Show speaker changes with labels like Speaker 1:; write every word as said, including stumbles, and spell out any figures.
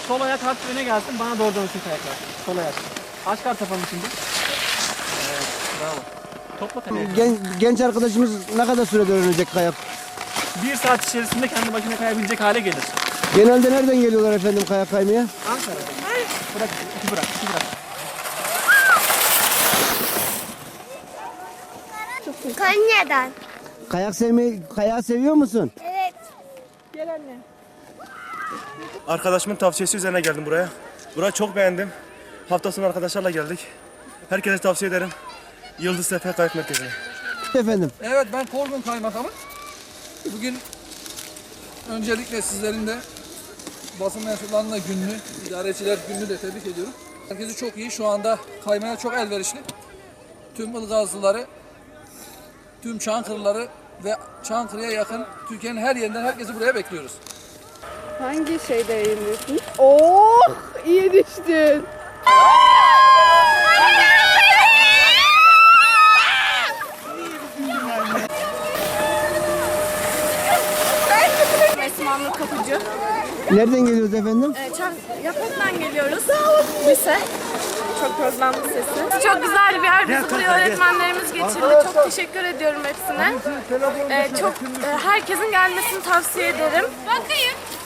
Speaker 1: Sol ayak hafif öne gelsin, bana doğru dönsün kayaklar. Sol ayak. Aç kart yapalım şimdi. Evet, bravo. Topla kayayı.
Speaker 2: Gen, genç arkadaşımız ne kadar sürede öğrenecek kayak?
Speaker 1: Bir saat içerisinde kendi başına kayabilecek hale gelir.
Speaker 2: Genelde nereden geliyorlar efendim kayak kaymaya?
Speaker 1: Ankara'da. Bırak, iki bırak, iki bırak.
Speaker 3: Konya'dan.
Speaker 2: Kayak sevmeyi, kayağı seviyor musun?
Speaker 3: Evet.
Speaker 1: Gel anne.
Speaker 4: Arkadaşımın tavsiyesi üzerine geldim buraya. Burayı çok beğendim. Hafta sonu arkadaşlarla geldik. Herkese tavsiye ederim. Yıldız Sefer Kayak Merkezi'ne.
Speaker 2: Efendim.
Speaker 5: Evet, ben Korgun Kaymakamı. Bugün öncelikle sizlerin de basın mensuplarının da gününü, idareciler gününü de tebrik ediyorum. Herkesi çok iyi, şu anda kaymaya çok elverişli. Tüm Ilgazlıları, tüm Çankırıları ve Çankırı'ya yakın Türkiye'nin her yerinden herkesi buraya bekliyoruz.
Speaker 6: Hangi şeyde yayınlıyorsun? Oh! İyi düştün.
Speaker 7: Esma Nur Kapıcı.
Speaker 2: Nereden geliyoruz efendim?
Speaker 7: Ee, Çan Yaprak'tan geliyoruz. Lise. Çok özlemli sesi. Çok güzel bir yer. Bizi buraya öğretmenlerimiz getirdi. Çok teşekkür ediyorum hepsine. Ee, çok e, herkesin gelmesini tavsiye ederim. Bakayım.